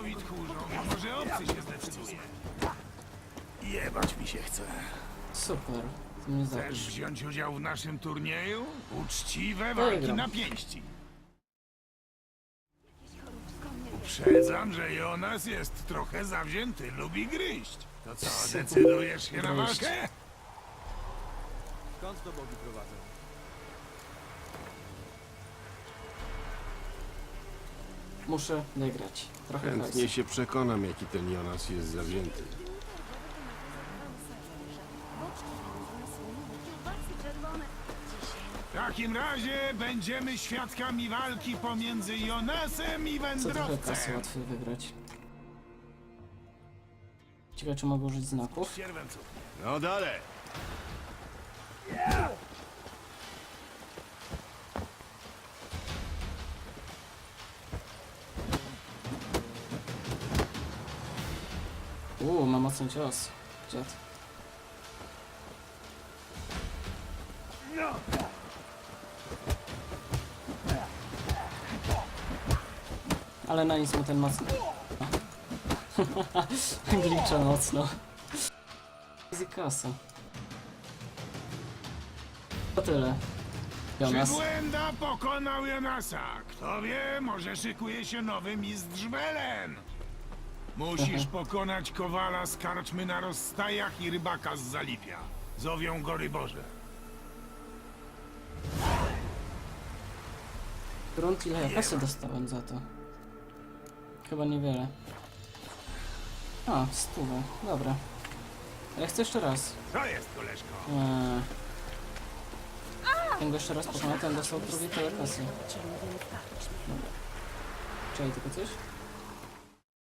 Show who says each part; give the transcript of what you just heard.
Speaker 1: nowi tchórzom, może obcy się zdecyduje. Jebać mi się chce.
Speaker 2: Super. To mnie
Speaker 1: Chcesz
Speaker 2: zapisz.
Speaker 1: wziąć udział w naszym turnieju? Uczciwe walki
Speaker 2: Wygram.
Speaker 1: na pięści. Uprzedzam, że Jonas jest trochę zawzięty, lubi gryźć. To co, decydujesz się na
Speaker 2: Gryźć.
Speaker 1: walkę?
Speaker 3: Skąd to bogi prowadzą?
Speaker 2: Muszę wygrać. Trochę
Speaker 4: Chętnie
Speaker 2: hajsu.
Speaker 4: się przekonam, jaki ten Jonas jest zawzięty.
Speaker 1: W takim razie będziemy świadkami walki pomiędzy Jonasem i
Speaker 2: Co trochę kasy
Speaker 1: wędrowcem.
Speaker 2: łatwiej wygrać. Ciekawe, czy mogę użyć znaków?
Speaker 1: Sierwęcu.
Speaker 4: No dalej!
Speaker 2: Ma mocny cios. Dziad. Ale na nic mu ten mocny. Glicza mocno. Easy kasa. To tyle. Jonas.
Speaker 1: Przybłęda pokonał Jonasa. Kto wie, może szykuje się nowy mistrz Welen. Musisz pokonać kowala z karczmy na rozstajach i rybaka z Zalipia. Zowią go Ryborze.
Speaker 2: Grunt, ile ja kasy dostałem za to? Chyba niewiele. A, 100. Dobra. Ale chcę jeszcze raz.
Speaker 1: Co jest, koleżko?
Speaker 2: Jak go jeszcze raz pokonał, ten dostał drugie tyle kasy. Dobra. Czekaj, tylko coś?